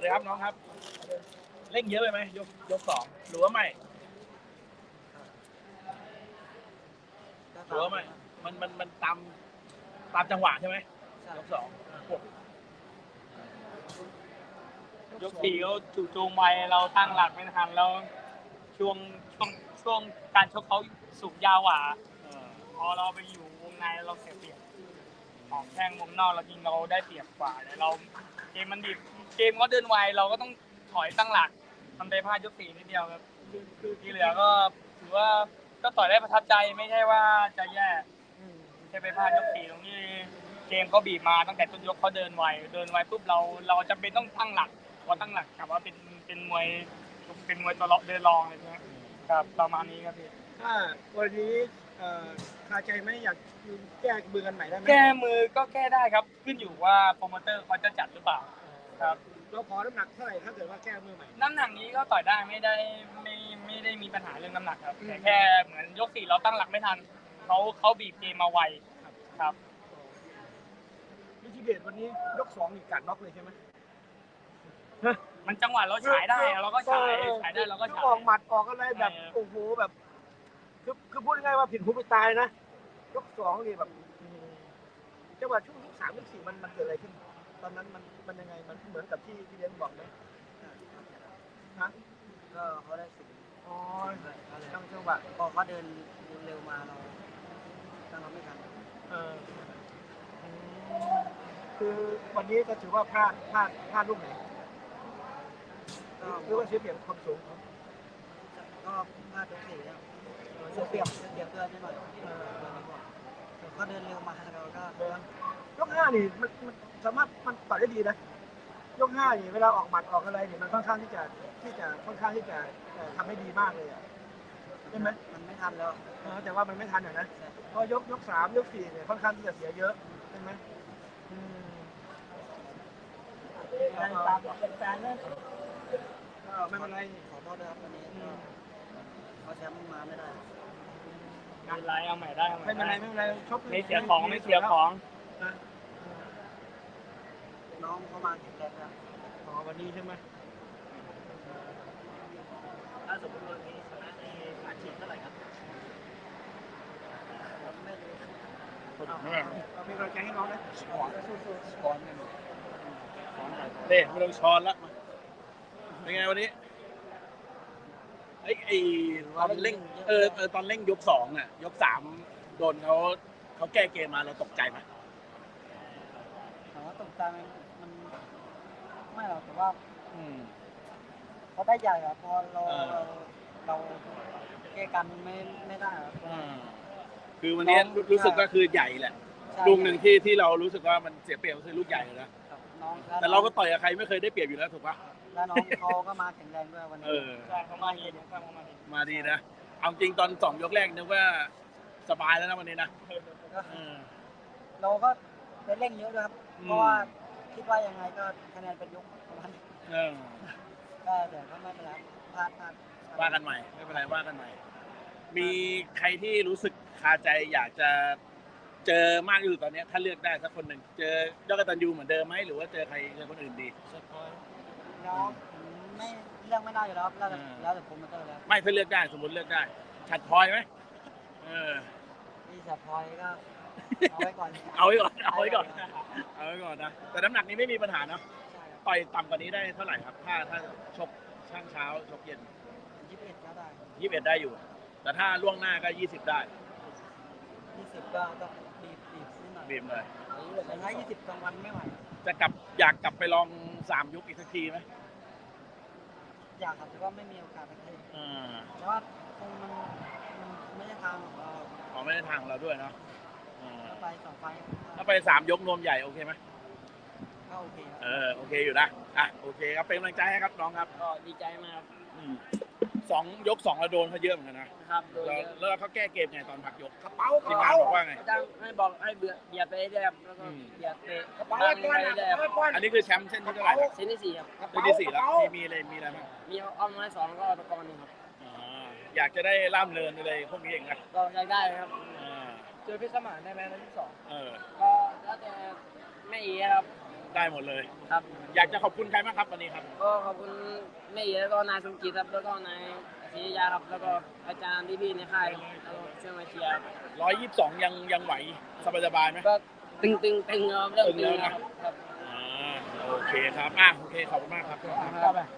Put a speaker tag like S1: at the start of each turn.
S1: ดีครับน้องครับเร่งเยอะไปไหมยกสองหรือว่าไม่หรือว่าไม่มันตามจังหวะใช่ไหมยกสอง
S2: ยกสี่เขาจู่โจมไวเราตั้งหลักไม่ทันแล้วช่วงช่วงการชกเขาสูงยาวกว่าพอเราไปอยู่วงในเราเสียเปรียบของแข้งวงนอกเรายิงเราได้เปรียบกว่าแต่เราเกมมันดิบเกมก็เดินไวเราก็ต้องถอยตั้งหลักทำได้พลาดยกสี่นิดเดียวครับที่เหลือก็ถือว่าก็ต่อยได้ประทับใจไม่ใช่ว่าจะแย่แค่ไปพลาดยกสี่ตรงนี้เกมก็บีบมาตั้งแต่ต้นยกเขาเดินไวปุ๊บเราจำเป็นต้องตั้งหลักพอตั้งหลักกับว่าเป็นมวยตัวเดินรองอะไรเงี้ยครับประมาณนี้ครับพี่
S3: ถ้าวันนี้คาใจไหมอยากแก้มือกันใหม่ได้ไหม
S2: แก้มือก็แก้ได้ครับขึ้นอยู่ว่าโปรโมเตอร์เขาจะจัดหรือเปล่าครับ
S3: เราขอน้ำหนักเท่าไหร่ถ้าเกิดว่าแก้มือใหม่
S2: น้ำหนักนี้ก็ต่อยได้ไม่ได้มีปัญหาเรื่องน้ำหนักครับแต่แค่เหมือนยกสี่เราตั้งหลักไม่ทันเขาบีบเกมมาไวครับ
S3: มิชิเดชวันนี้ยก2นี่กัดน็อกเลยใช่ไหม
S2: มันจังหวะเราฉายได้เราก็ฉายได้เราก็ฉาย
S3: ออกหมัดออกอะไรแบบโอ้โหแบบคือพูดง่ายๆว่าผิดหูผิดตายนะยก2นี่แบบจังหวะช่วงยก3ยก4มันเกิดอะไรขึ้นตอนนั้นมันยังไงมันเหมือนกับที่เลี้ยงบอกไหมฮะ
S4: ก็เขาได้สูง
S3: อ๋อตั้งจังหวะ
S4: พอเขาเดินเร็วมาเราตั้งเราไม่ทัน
S3: คือวันนี้ก็ถือว่าพลาดลูกไหนหรือว่าเสียเปรียบความสูง
S4: ก็พลาดยกสี่แล้วเสียเปรียบเพื่อนนิดหน่อยเขาเดินเร็วมาเราก็
S3: ยก5นี่มันสามารถมันต่อยได้ดีนะยก5นี่เวลาออกหมัดออกอะไรเนี่ยมันค่อนข้างที่จะค่อนข้างที่จะทำให้ดีมากเลยอ่ะใช่ไหม
S4: มันไม่ทันแล้ว
S3: แต่ว่ามันไม่ทันนะเพราะยก3ยก4เนี่ยค่อนข้างที่จะเสียเยอะใช่ไหม
S4: ตามเป็นแฟนเลย
S3: ไม่เป็นไร
S4: ขอโทษด้วยครับวันนี้เขาแชมป์มาไม่ได้
S2: ไม่เป็นไรเอาใหม่ได้
S3: ไม่เป็นไรชก
S2: ไม่เสียของ
S4: น้องเขามาแข็งแรงครับ
S3: วันนี้ใช่ไหม
S4: ถ้าสมมติวันนี้ชนะในอาชีพเท่าไหร่ครับไม่รู้
S3: เราเป็นกำลังใจให้น้องนะ
S4: สอนกัน
S1: เด้ไม่ต้องช้อนละเป็นไงวันนี้ไอ้ตอนเร่งตอนเร่งยก2อ่ะยก3โดนเขาแก้เกมมาเราตกใจไหม
S4: ถามว่าตกใจมันไม่หรอกแต่ว่าเขาได้ใหญ่ครับพอเราแก้กันไม่ได้ครับ
S1: คือวันนี้รู้สึกก็คือใหญ่แหละลูกหนึ่งที่เรารู้สึกว่ามันเสียเปรียบก็คือลูกใหญ่เลยนะแต่เราก็ต่อยกับใครไม่เคยได้เปรียบอยู่แล้วถูกปะ
S4: แล้วน้องเขาก็มาแข็งแรงด้วยวันนี้
S2: ใช่เขามาดี
S1: มาดีนะเอาจริงตอน2 ยกแรกนึกว่าสบายแล้วนะวันนี้นะ
S4: เราก็ได้เร่งเยอะด้วยครับเพราะว่าคิดว่ายังไงก็คะแนนเป็นยกประมาณก็เดี๋ยวก็ไม่เป็นไรพลาด
S1: ว่ากันใหม่ไม่เป็นไรว่ากันใหม่มีใครที่รู้สึกคาใจอยากจะเจอมากอยู่ตอนนี้ถ้าเลือกได้สักคนหนึ่งเจอยอดกตัญญูเหมือนเดิมไหมหรือว่าเจอใครเจอคนอื่นดี
S4: แล้วไม่เลือกไม่ได้อยู่แล้วแล้วแต่ผมมาเจอแล้ว
S1: ไม่ถ้าเลือกได้สมมติเลือกได้ฉัดพลอยไหม
S4: ที่ฉัดพลอยก็เอาไว้ก่อน
S1: นะแต่น้ำหนักนี้ไม่มีปัญหาเนาะต่อยต่ำกว่านี้ได้เท่าไหร่ครับถ้าชกช่างเช้าชกเย็น
S4: 21ก็ได้
S1: 21ได้อยู่แต่ถ้าล่วงหน้าก็20ได้
S4: 20ก็ต้อง
S1: บีบเลย
S4: แต่ถ้า20กลางวันไม่ไหว
S1: อยากกลับไปลอง3 ยกอีกสักทีไหม
S4: อยากครับแต่ว่าไม่มีโอกาสไปเพราะว่าคงมันไม่ใช่ทางของเรา
S1: ไม่ใช่ทางเราด้วยเนาะ
S4: ไป2 ไฟ
S1: ถ้าไป3 ยกนวมใหญ่โอเคไหม
S4: ก็โอเค
S1: โอเคอยู่นะโอเคครับเป็นกำลังใจให้ครับน้องครับ
S2: ก็ดีใจมากครับ
S1: ยก2เราโดนเขาเยอะเหมือนกันนะครับแล้วเขาแก้เกมไงตอนพักยก
S3: กระเป๋า
S1: ทีมงานบอกว่าไง
S2: ให้เบียดไปได้ครับแล้วก็เบียดไป
S3: กระเป๋าไอ้ก้อน
S1: อันนี้คือแชมป์เส้นที่เท่าไหร่
S2: เส้นที่4ครับ
S1: เส้นที่4แล้วมีอะไรบ้าง
S2: มีอ้อมน้อย2แล้วก็ตะกอน1ครับ
S1: อยากจะได้ล่ามเรินอะไรพวกนี้เองนะ
S2: ก็อยากได้ครับเจอพิสมานได้ไหมในที่2ก็แล้วแต่ไม่อีครับ
S1: ได้หมดเลย
S5: ครับ
S1: อยากจะขอบคุณใครบ้างครับวันนี้ครับ
S5: ก็ขอบคุณแม่เอ๋แล้วก็นายสมจิตครับแล้วก็นายศรียาครับแล้วก็อาจารย์พี่ๆในค่ายแล้วก็ช่วยมาเชียร์ครับ
S1: 122ยังไหวสบายๆไหม
S5: ก็ตึงครับเริ่มตึงแล้วครับ
S1: โอเคครับโอเคขอบคุณมากครับ